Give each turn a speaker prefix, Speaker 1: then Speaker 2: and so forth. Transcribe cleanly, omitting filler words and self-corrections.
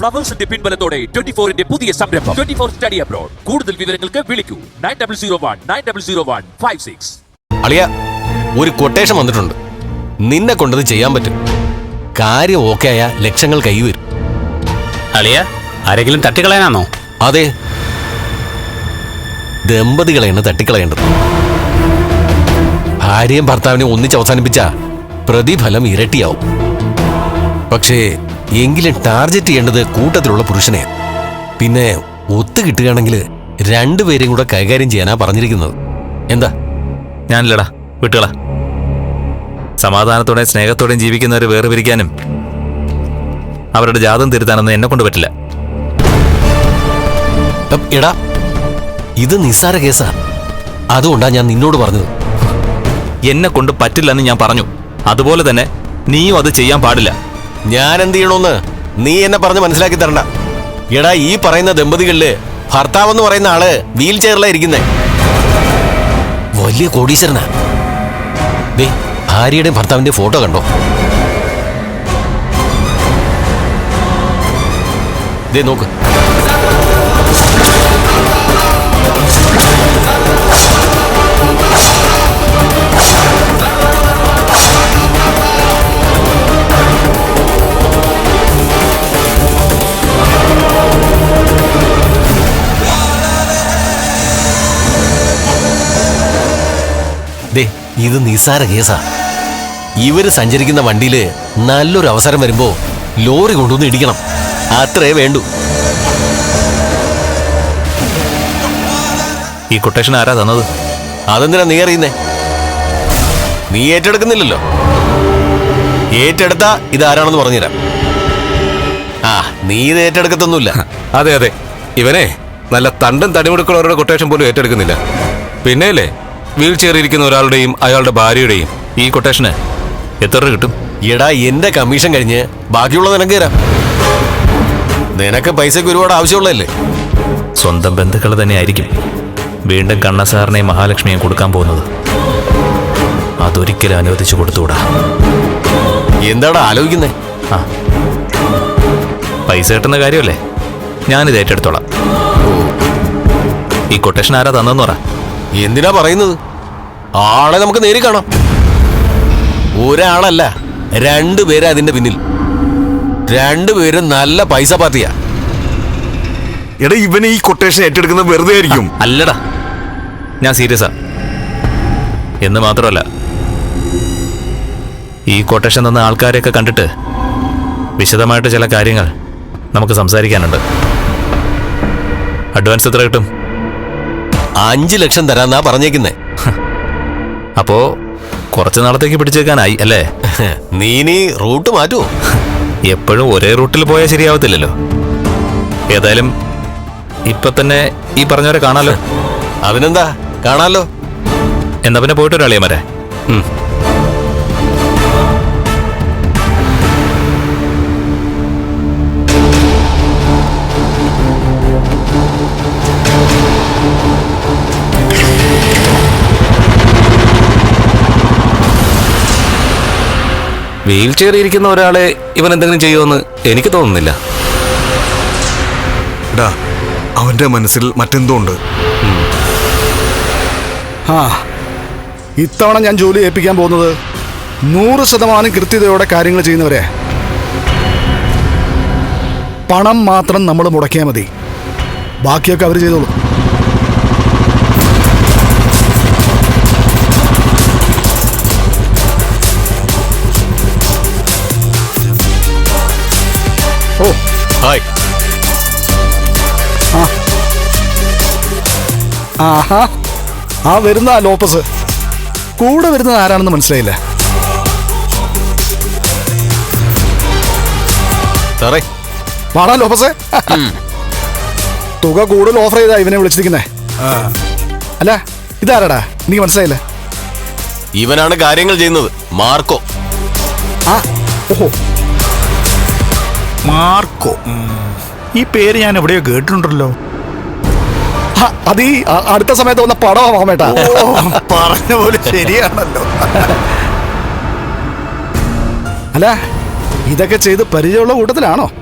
Speaker 1: ഫ്ലവേഴ്സിന്റെ പിൻബലത്തോടെ 24-ന്റെ പുതിയ സംരംഭം 24 study abroad. കൂടുതൽ വിവരങ്ങൾക്ക് വിളിക്കൂ 9001900156.
Speaker 2: അളിയ, ഒരു കൊട്ടേഷൻ വന്നിട്ടുണ്ട്. നിന്നെ കൊണ്ടത് ചെയ്യാൻ പറ്റും. കാര്യം ഓക്കെ ആയ ലക്ഷങ്ങൾ കൈവരും.
Speaker 3: അളിയ, ആരെങ്കിലും തട്ടിക്കളയാനാണോ?
Speaker 2: അതെ, ദമ്പതികളെയാണ് തട്ടിക്കളയേണ്ടത്. ഭാര്യയും ഭർത്താവിനെ ഒന്നിച്ച് അവസാനിപ്പിച്ച പ്രതിഫലം ഇരട്ടിയാവും. പക്ഷേ എങ്കിലും ടാർഗറ്റ് ചെയ്യേണ്ടത് കൂട്ടത്തിലുള്ള പുരുഷനെ. പിന്നെ ഒത്തു കിട്ടുകയാണെങ്കിൽ രണ്ടുപേരെയും കൂടെ കൈകാര്യം ചെയ്യാനാ പറഞ്ഞിരിക്കുന്നത്. എന്താ?
Speaker 4: ഞാനില്ലടാ, വിട്ടുകളാ. സമാധാനത്തോടെയും സ്നേഹത്തോടെയും ജീവിക്കുന്നവരെ വേറെ പിരിക്കാനും അവരുടെ ജാതം തിരുത്താനൊന്നും എന്നെ കൊണ്ട് പറ്റില്ല.
Speaker 2: എടാ, ഇത് നിസ്സാര കേസാ. അതുകൊണ്ടാ ഞാൻ നിന്നോട് പറഞ്ഞത്.
Speaker 4: എന്നെ കൊണ്ട് പറ്റില്ലെന്ന് ഞാൻ പറഞ്ഞു. അതുപോലെ തന്നെ നീയും അത് ചെയ്യാൻ പാടില്ല.
Speaker 2: ഞാൻ എന്ത് ചെയ്യണോന്ന് നീ എന്നെ പറഞ്ഞ് മനസ്സിലാക്കി തരണ്ട. എടാ, ഈ പറയുന്ന ദമ്പതികളില് ഭർത്താവെന്ന് പറയുന്ന ആള് വീൽ ചെയറിലാ ഇരിക്കുന്നേ. വലിയ കോടീശ്വരനാ. ദേ, ഭാര്യയുടെയും ഭർത്താവിന്റെ ഫോട്ടോ കണ്ടോ? ദേ നോക്ക്. ദേ, ഇത് നിസ്സാര കേസാ. ഇവര് സഞ്ചരിക്കുന്ന വണ്ടിയില് നല്ലൊരു അവസരം വരുമ്പോ ലോറി കൊണ്ടുവന്ന് ഇടിക്കണം. അത്രേ വേണ്ടൂ.
Speaker 4: ഈ കൊട്ടേഷൻ ആരാ തന്നത്?
Speaker 2: അതെന്തിനാ നീ അറിയുന്നേ? നീ ഏറ്റെടുക്കുന്നില്ലല്ലോ. ഏറ്റെടുത്താ ഇതാരാണെന്ന് പറഞ്ഞുതരാം. ആ, നീ ഇത് ഏറ്റെടുക്കത്തൊന്നുമില്ല.
Speaker 5: അതെ അതെ, ഇവനെ നല്ല തണ്ടും തടിമുടുക്കുള്ളവരുടെ കൊട്ടേഷൻ പോലും ഏറ്റെടുക്കുന്നില്ല. പിന്നെയല്ലേ വീൽ ചെയറിയിരിക്കുന്ന ഒരാളുടെയും അയാളുടെ ഭാര്യയുടെയും
Speaker 4: ഈ കൊട്ടേഷന് എത്ര രൂപ കിട്ടും?
Speaker 2: എടാ, എന്റെ കമ്മീഷൻ കഴിഞ്ഞ് ബാക്കിയുള്ളത് നിനക്ക് തരാം. നിനക്ക് പൈസക്ക് ഒരുപാട് ആവശ്യമുള്ളതല്ലേ?
Speaker 4: സ്വന്തം ബന്ധുക്കൾ തന്നെ ആയിരിക്കും വീണ്ടും കണ്ണസാറിനെയും മഹാലക്ഷ്മിയെയും കൊടുക്കാൻ പോകുന്നത്. അതൊരിക്കലും അനുവദിച്ചു കൊടുത്തുകൂടാ.
Speaker 2: എന്താടാ ആലോചിക്കുന്നേ?
Speaker 4: ആ, പൈസ കിട്ടുന്ന കാര്യമല്ലേ, ഞാനിത് ഏറ്റെടുത്തോളാം. ഈ കൊട്ടേഷൻ ആരാ തന്നെന്ന് പറ.
Speaker 2: എന്തിനാ പറയുന്നത്? ആളെ നമുക്ക് നേരിൽ കാണാം. ഒരാളല്ല, രണ്ടുപേരാ അതിന്റെ പിന്നിൽ. രണ്ടുപേരും നല്ല പൈസ പാർട്ടിയാ.
Speaker 5: എടാ, ഇവനെ ഈ കൊട്ടേഷൻ ഏറ്റെടുക്കുന്നത് വെറുതെ ആയിരിക്കും.
Speaker 4: അല്ലടാ, ഞാൻ സീരിയസാ. എന്ന് മാത്രമല്ല, ഈ കൊട്ടേഷൻ തന്ന ആൾക്കാരെയൊക്കെ കണ്ടിട്ട് വിശദമായിട്ട് ചില കാര്യങ്ങൾ നമുക്ക് സംസാരിക്കാനുണ്ട്. അഡ്വാൻസ് എത്ര കിട്ടും?
Speaker 2: 5 ലക്ഷം തരാന്നാ പറഞ്ഞേക്കുന്നേ.
Speaker 4: അപ്പോ കുറച്ച് നാളത്തേക്ക് പിടിച്ചേക്കാനായി അല്ലേ?
Speaker 2: നീ റൂട്ട് മാറ്റുമോ?
Speaker 4: എപ്പോഴും ഒരേ റൂട്ടിൽ പോയാൽ ശരിയാവത്തില്ലല്ലോ. ഏതായാലും ഇപ്പൊ തന്നെ ഈ പറഞ്ഞവരെ കാണാലോ.
Speaker 2: അതിനെന്താ, കാണാലോ.
Speaker 4: എന്നാ പിന്നെ പോയിട്ട് ഒരാളിയമാരെ.
Speaker 5: വീൽ ചെയർ ഇരിക്കുന്ന ഒരാളെ ഇവൻ എന്തെങ്കിലും ചെയ്യുമെന്ന് എനിക്ക് തോന്നുന്നില്ല.
Speaker 6: അവന്റെ മനസ്സിൽ മറ്റെന്തോ ഉണ്ട്.
Speaker 7: ഇത്തവണ ഞാൻ ജോലി ഏൽപ്പിക്കാൻ പോകുന്നത് 100% കൃത്യതയോടെ കാര്യങ്ങൾ ചെയ്യുന്നവരെ. പണം മാത്രം നമ്മൾ മുടക്കിയാൽ മതി, ബാക്കിയൊക്കെ അവർ ചെയ്തോളൂ.
Speaker 2: ഓ, ഹായ്.
Speaker 7: ആഹാ, ആ വരുന്ന ലോപ്പസ്. കൂടെ വരുന്നത് ആരാണെന്ന് മനസ്സിലായില്ല.
Speaker 2: സാറേ,
Speaker 7: വാടാ ലോപ്പസേ. തുക കൂടുതൽ ഓഫർ ചെയ്താ ഇവനെ വിളിച്ചിരിക്കുന്നേ. അല്ല, ഇതാരാടാ? എനിക്ക് മനസ്സിലായില്ല.
Speaker 2: ഇവനാണ് കാര്യങ്ങൾ ചെയ്യുന്നത്, മാർക്കോ.
Speaker 7: ആ, ഓഹോ,
Speaker 8: മാർക്കോ. ഈ പേര് ഞാൻ എവിടെയോ കേട്ടിട്ടുണ്ടല്ലോ.
Speaker 7: അത് ഈ അടുത്ത സമയത്ത് വന്ന പടമാ മേട്ടാ.
Speaker 8: പറഞ്ഞ പോലെ ശരിയാണല്ലോ.
Speaker 7: അല്ല, ഇതൊക്കെ ചെയ്ത് പരിചയമുള്ള കൂട്ടത്തിലാണോ?